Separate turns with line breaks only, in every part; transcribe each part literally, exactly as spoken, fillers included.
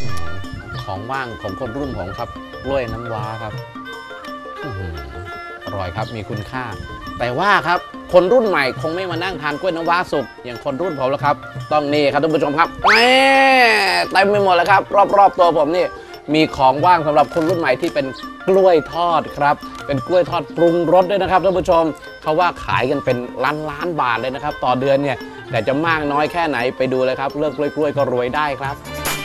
ของว่างของคนรุ่นผมครับกล้วยน้ำว้าครับอร่อยครับมีคุณค่าแต่ว่าครับคนรุ่นใหม่คงไม่มานั่งทานกล้วยน้ำว้าสุกอย่างคนรุ่นผมแล้วครับต้องนี่ครับท่านผู้ชมครับแหมเต็มไปหมดแล้วครับรอบๆตัวผมนี่มีของว่างสำหรับคนรุ่นใหม่ที่เป็นกล้วยทอดครับเป็นกล้วยทอดปรุงรสด้วยนะครับท่านผู้ชมเขาว่าขายกันเป็นล้านล้านบาทเลยนะครับต่อเดือนเนี่ยแต่จะมากน้อยแค่ไหนไปดูเลยครับเลิกกล้วยๆก็รวยได้ครับ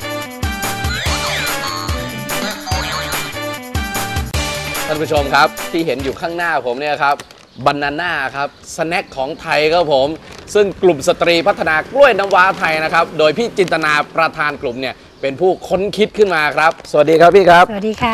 ท่านผู้ชมครับที่เห็นอยู่ข้างหน้าผมเนี่ยครับบานาน่าครับสแน็คของไทยครับผมซึ่งกลุ่มสตรีพัฒนากล้วยน้ำว้าไทยนะครับโดยพี่จินตนาประธานกลุ่มเนี่ยเป็นผู้ค้นคิดขึ้นมาครับสวัสดีครับพี่ครับ
สวัสดีค่ะ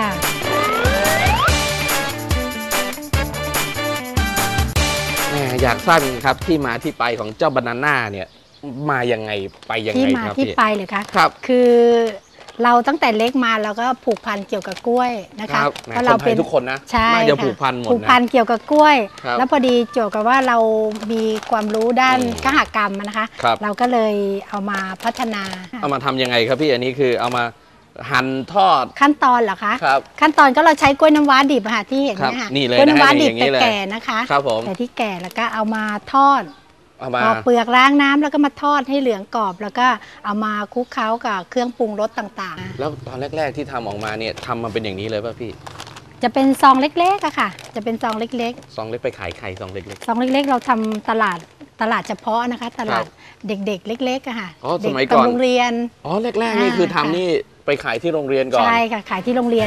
อยากทราบครับที่มาที่ไปของเจ้าบานาน่าเนี่ยมายังไงไปยังไง
ที่มาที่ไปเลยคะ
ครับ
คือเราตั้งแต่เล็กมาเราก็ผูกพันเกี่ยวกับกล้วยนะคะ
เพราะเราเป็นทุกคนนะ
ใช่
จะผูกพันหมด
ผูกพันเกี่ยวกับกล้วย
แ
แล้วพอดีเกี่ยวกับว่าเรามีความรู้ด้านคหกรรมนะคะเราก็เลยเอามาพัฒนา
เอามาทำยังไงครับพี่อันนี้คือเอามาหั่นทอด
ขั้นตอนเหรอคะ
ครับ
ขั้นตอนก็เราใช้กล้วยน้ำว้าดิบค่ะที่เห็นเนี่ยค่ะกล้วยน้ำว้าดิบแต่แก่นะคะ
ครับผม
แต่ที่แก่แล้วก็เอามาทอด
พอ
เปลือกล้างน้ำแล้วก็มาทอดให้เหลืองกรอบแล้วก็เอามาคลุกเคล้ากับเครื่องปรุงรสต่าง
ๆแล้วตอนแรกๆที่ทำออกมาเนี่ยทำมาเป็นอย่างนี้เลยป่ะพี่
จะเป็นซองเล็กๆอะค่ะจะเป็นซองเล็ก
ๆซองเล็กไปขายใครซองเล็ก
ๆซองเล็กๆเราทำตลาดตลาดเฉพาะนะคะตลาดเด็กๆเล็กๆอะค่ะ
อ๋อสมัยก่อน
โรงเรียน
อ๋อแรกๆนี่คือทำนี่ไปขายที่โรงเรียนก่อน
ใช่ค่ะขายที่โรงเรียน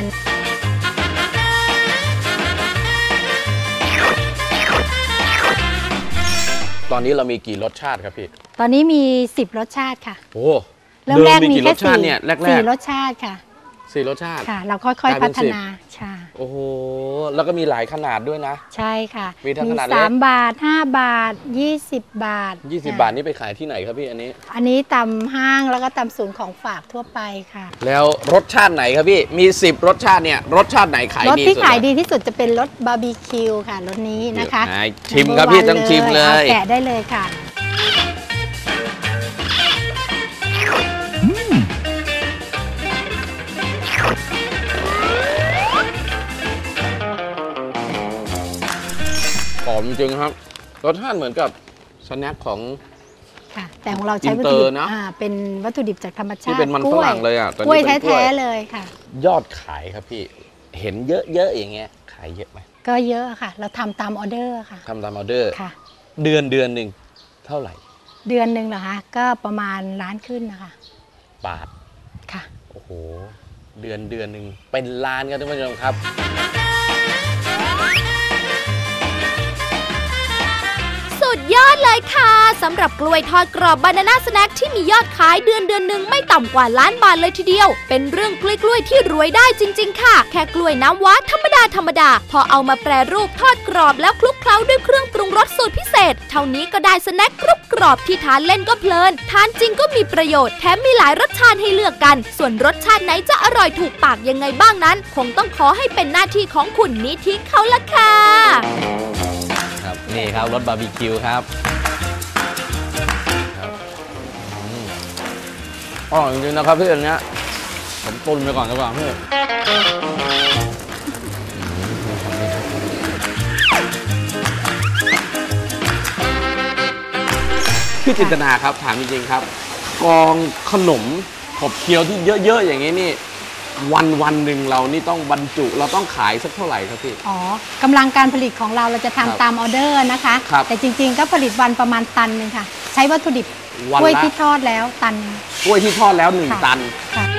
ตอนนี้เรามีกี่รสชาติครับพี่
ตอนนี้มีสิบรสชาติค่ะ
โอ้
เริ่มแรกมีแค่สี่สี่รสชาติค่ะ
สี่รสชาติ
ค่ะเราค่อยๆพัฒนาใช่
โอ้โหแล้วก็มีหลายขนาดด้วยนะ
ใช่ค่ะ
มีทั้งขนาด
สามบาทห้าบาทยี่สิบบาท
ยี่สิบบาทนี่ไปขายที่ไหนครับพี่อันนี้
อันนี้ตามห้างแล้วก็ตามศูนย์ของฝากทั่วไปค่ะ
แล้วรสชาติไหนครับพี่มีสิบรสชาติเนี่ยรสชาติไหนขายดี
รสที่ขายดีที่สุดจะเป็นรสบาร์บีคิวค่ะรสนี้นะคะ
ชิมครับพี่ต้องชิมเลย
แกะได้เลยค่ะ
หอมจริงครับรสชาติเหมือนกับสแน็คของ
ค่ะแต่ของเราใช้วัตถุดิบเป็นวัตถุดิบจากธรรมชาติ
ที่เป็นมันฝรั่งเลยอ่ะ
กล้วยแท้ๆเลยค่ะ
ยอดขายครับพี่เห็นเยอะๆอย่างเงี้ยขายเยอะไหม
ก็เยอะค่ะเราทำตามออเดอร์ค่ะ
ทำตามออเดอร์
ค่ะ
เดือนเดือนหนึ่งเท่าไหร่
เดือนหนึ่งเหรอคะก็ประมาณล้านขึ้นนะคะ
บาท
ค่ะ
โอ้โหเดือนเดือนหนึ่งเป็นล้านครับท่านผู้ชมครับ
สุดยอดเลยค่ะสำหรับกล้วยทอดกรอบบานาน่าสแน็คที่มียอดขายเดือนเดือนหนึ่งไม่ต่ำกว่าล้านบาทเลยทีเดียวเป็นเรื่องกล้วยๆที่รวยได้จริงๆค่ะแค่กล้วยน้ำว้าธรรมดาธรรมดาพอเอามาแปรรูปทอดกรอบแล้วคลุกเคล้าด้วยเครื่องปรุงรสสูตรพิเศษเท่านี้ก็ได้สแน็คกรุบกรอบที่ทานเล่นก็เพลินทานจริงก็มีประโยชน์แถมมีหลายรสชาติให้เลือกกันส่วนรสชาติไหนจะอร่อยถูกปากยังไงบ้างนั้นคงต้องขอให้เป็นหน้าที่ของคุณนิธิเขาละค่ะ
ครับนี่ครับรสบาร์บีคิวครับอ๋อจริงๆนะครับพี่อันเนี้ยผมตุนไปก่อนดีกว่าพี่พี่จินตนาครับถามจริงๆครับกองขนมขบเคี้ยวที่เยอะๆอย่างนี้นี่วันวันหนึ่งเรานี่ต้องบรรจุเราต้องขายสักเท่าไหร่ครับพี่
อ๋อกำลังการผลิตของเราเราจะทำตามออเดอร์นะคะแต่จริงๆก็ผลิตวันประมาณตันนึงค่ะใช้วัตถุดิบกล้วยที่ทอดแล้วตัน
กล้วยที่ทอดแล้วหนึ่งตัน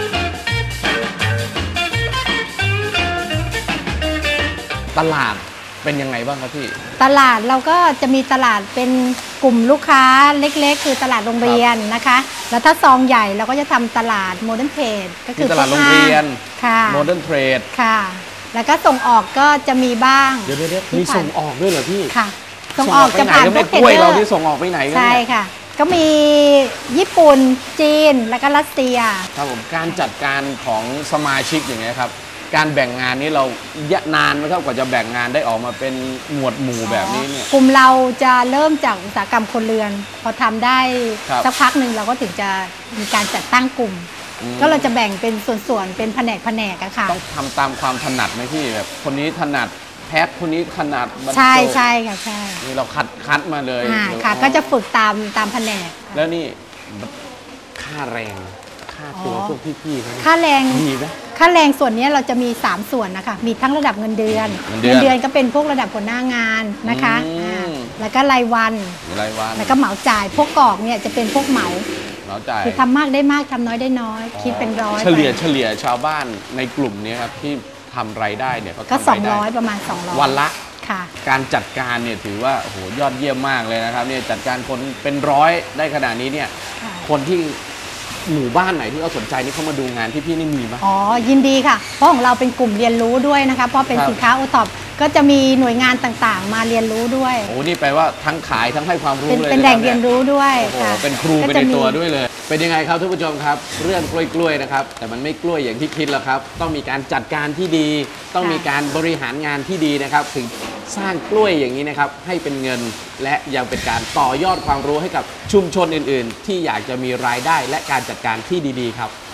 ตลาดเป็นยังไงบ้างครับพี่
ตลาดเราก็จะมีตลาดเป็นกลุ่มลูกค้าเล็กๆคือตลาดโรงเรียนนะคะแล้วถ้าซองใหญ่เราก็จะทำตลาดโมเดิร์นเทรดก็คือ
ตลาดโรงเรียน
ค่ะ
โมเดิร์นเทรด
ค่ะแล้วก็ส่งออกก็จะมีบ้าง
เดี๋ยวๆมีส่งออกด้วยเหรอพี่
ค่ะส่งออกจะผ่านพวก
กล้วยเราที่ส่งออกไปไหนกัน
ใช่ค่ะก็มีญี่ปุ่นจีนแล้วก็รัสเซีย
ครับผมการจัดการของสมาชิกอย่างเงี้ยครับการแบ่งงานนี้เรานานไหมครับกว่าจะแบ่งงานได้ออกมาเป็นหมวดหมู่แบบนี้เนี่ย
กลุ่มเราจะเริ่มจากอุตสาหกรรมคนเรือนพอทำได้สักพักหนึ่งเราก็ถึงจะมีการจัดตั้งกลุ่มก็เราจะแบ่งเป็นส่วนๆเป็นแผนกแผนกอะค่ะ
ต้องทำตามความถนัดไหมพี่แบบคนนี้ถนัดแพ็คคนนี้ถนัดบรรจุ
ใช่ใช่ค่ะใช่
นี่เราคัดคัดมาเลย
อ่า
หรือ
ค่ะ
อ๋อ
ก็จะฝึกตามตามแผนกค่ะ
แล้วนี่ค่าแรงค่าตัว
อ๋อ
พวกพี่ๆเขาเนี่ย
ค่าแรง
มีไหม
ค่าแรงส่วนนี้เราจะมี สาม ส่วนนะคะมีทั้งระดับเงินเดือน
เงินเดือน
เดือนก็เป็นพวกระดับหัวหน้างานนะคะ
อืม
อ่าแล้วก็รายวัน
รายวัน
แล้วก็เหมาจ่ายพวกกรอกเนี่ยจะเป็นพวกเหมา
เราจ่าย
คือทำมากได้มากทำน้อยได้น้อย คิดเป็นร้อย
เฉลี่ย
ไป
เฉลี่ยชาวบ้านในกลุ่มนี้ครับที่ทำรายได้เนี่ยเขา
ก็
ทำรายได้
สองร้อยประมาณสองร้อย
วันละ
ค่ะ
การจัดการเนี่ยถือว่าโอ้โหยอดเยี่ยมมากเลยนะครับเนี่ยจัดการคนเป็นร้อยได้ขนาดนี้เนี่ย
ค่ะ
คนที่หมู่บ้านไหนที่เขาสนใจนี่เขามาดูงานที่พี่นี่มีไหม
อ๋อยินดีค่ะ เพราะของเราเป็นกลุ่มเรียนรู้ด้วยนะคะเพราะเป็น
ครับ
สินค้าโอท็อปก็จะมีหน่วยงานต่างๆ มาเรียนรู้ด้วย
โอ้นี่แปลว่าทั้งขายทั้งให้ความรู้
เป็น
เลย
เป็น
นะ
แห
ค
ล่
บ
งเรียนรู้ด้วย
โอ้โห
ค่ะ
เป็นครูไป
ก็
ใน
จะมี
ตัวด้วยเลย เป็นยังไงครับท่านผู้ชมครับ เรื่องกล้วยๆนะครับ แต่มันไม่กล้วยอย่างที่คิดแล้วครับ ต้องมีการจัดการที่ดี ต้องมีการบริหารงานที่ดีนะครับ ถึงสร้างกล้วยอย่างนี้นะครับให้เป็นเงิน และยังเป็นการต่อยอดความรู้ให้กับชุมชนอื่นๆ ที่อยากจะมีรายได้และการจัดการที่ดีๆครับ